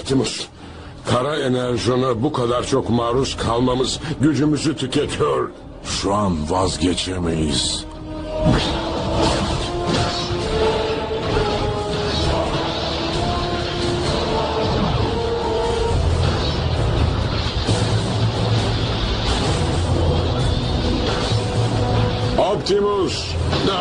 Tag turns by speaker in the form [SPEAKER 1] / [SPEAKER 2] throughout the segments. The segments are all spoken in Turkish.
[SPEAKER 1] Optimus. Kara enerjona bu kadar çok maruz kalmamız gücümüzü tüketiyor.
[SPEAKER 2] Şu an vazgeçemeyiz.
[SPEAKER 1] Optimus.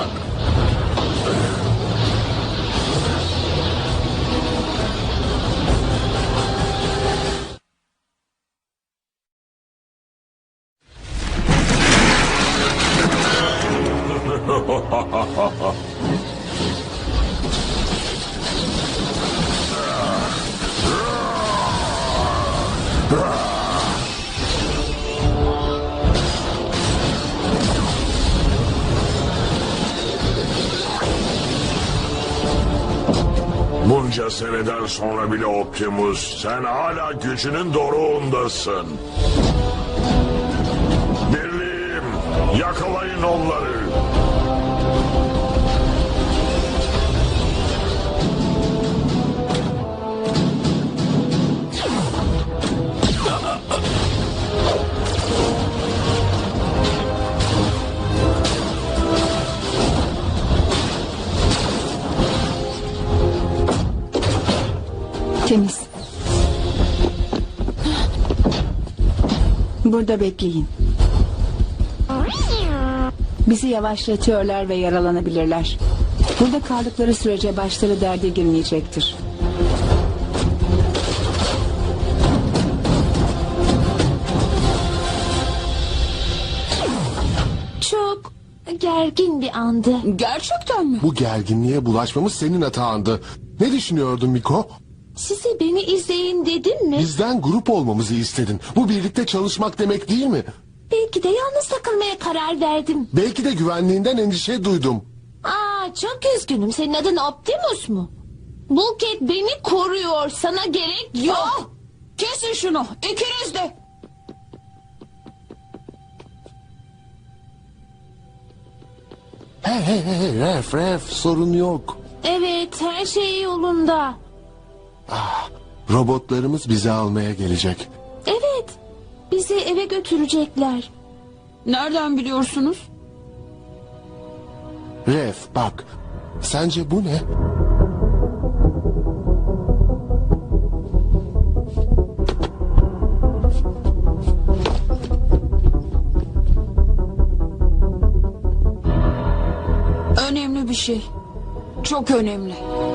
[SPEAKER 2] Bunca seneden sonra bile Optimus, sen hala gücünün doruğundasın. Birliğim, yakalayın onları.
[SPEAKER 3] Temiz. Burada bekleyin. Bizi yavaşlatıyorlar ve yaralanabilirler. Burada kaldıkları sürece başları derde girmeyecektir.
[SPEAKER 4] Çok gergin bir andı.
[SPEAKER 3] Gerçekten mi?
[SPEAKER 5] Bu gerginliğe bulaşmamız senin hatandı. Ne düşünüyordun Miko?
[SPEAKER 4] Size beni izleyin dedim mi?
[SPEAKER 5] Bizden grup olmamızı istedin. Bu birlikte çalışmak demek değil mi?
[SPEAKER 4] Belki de yalnız takılmaya karar verdim.
[SPEAKER 5] Belki de güvenliğinden endişe duydum.
[SPEAKER 4] Çok üzgünüm. Senin adın Optimus mu? Bulkhead beni koruyor. Sana gerek yok.
[SPEAKER 3] Kesin şunu. İkiniz de.
[SPEAKER 5] Hey, Ref, sorun yok.
[SPEAKER 4] Evet, her şey yolunda.
[SPEAKER 5] Robotlarımız bizi almaya gelecek.
[SPEAKER 4] Evet, bizi eve götürecekler.
[SPEAKER 3] Nereden biliyorsunuz?
[SPEAKER 5] Ref, bak. Sence bu ne?
[SPEAKER 3] Önemli bir şey. Çok önemli.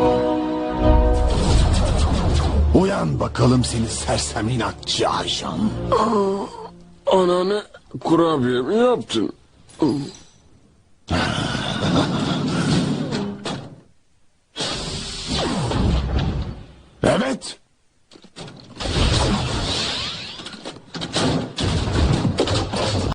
[SPEAKER 5] Uyan bakalım seni sersem inatçı ajan.
[SPEAKER 1] Anneanne, kurabiye mi yaptın?